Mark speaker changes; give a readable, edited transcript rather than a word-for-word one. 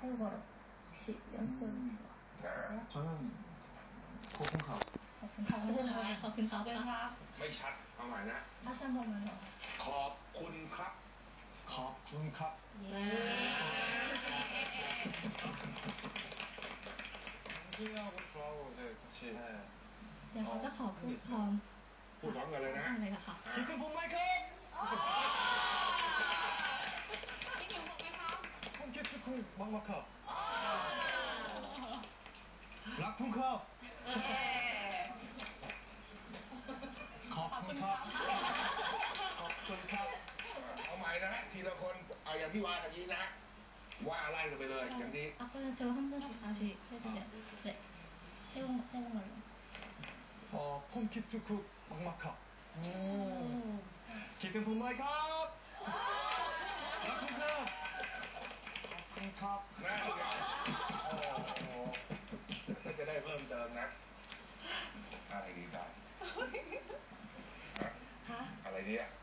Speaker 1: 태국어로 혹시 연습
Speaker 2: 저는 고픈컵.
Speaker 1: 거픈컵
Speaker 3: ไม่ชัดเอาใหม่นะ
Speaker 1: 다시 한 번만 더.
Speaker 3: ขอบคุณครับ
Speaker 2: 컵.
Speaker 1: 예.
Speaker 2: 승진이하고 저하고 이제 같이. 네.
Speaker 1: เดี๋ยวเขาจะขอพูดพร้อม
Speaker 3: พูดพร้อมกันเลยนะ
Speaker 1: อะไรนะคะ
Speaker 2: 기쁜 봄 마이크업! 홈키트쿵 막막컵. 락쿵컵. 컵쿵컵. 컵쿵컵.
Speaker 3: เอาใหม่นะฮะทีละคนเอาอย่างที่ว่าตะกี้นะฮะว่าไล่กันไปเลยอย่างนี้
Speaker 1: 아까처럼 한 번씩 다시 해주세요. 네. 태국말로.
Speaker 2: 홈키트쿵 막막컵. 기쁜 봄 마이크업! 락쿵컵. 컵쿵컵.
Speaker 3: นะโอ้โหก็จะได้เพิ่มเติมนะอะไรดีกันอะไรดีอ่ะ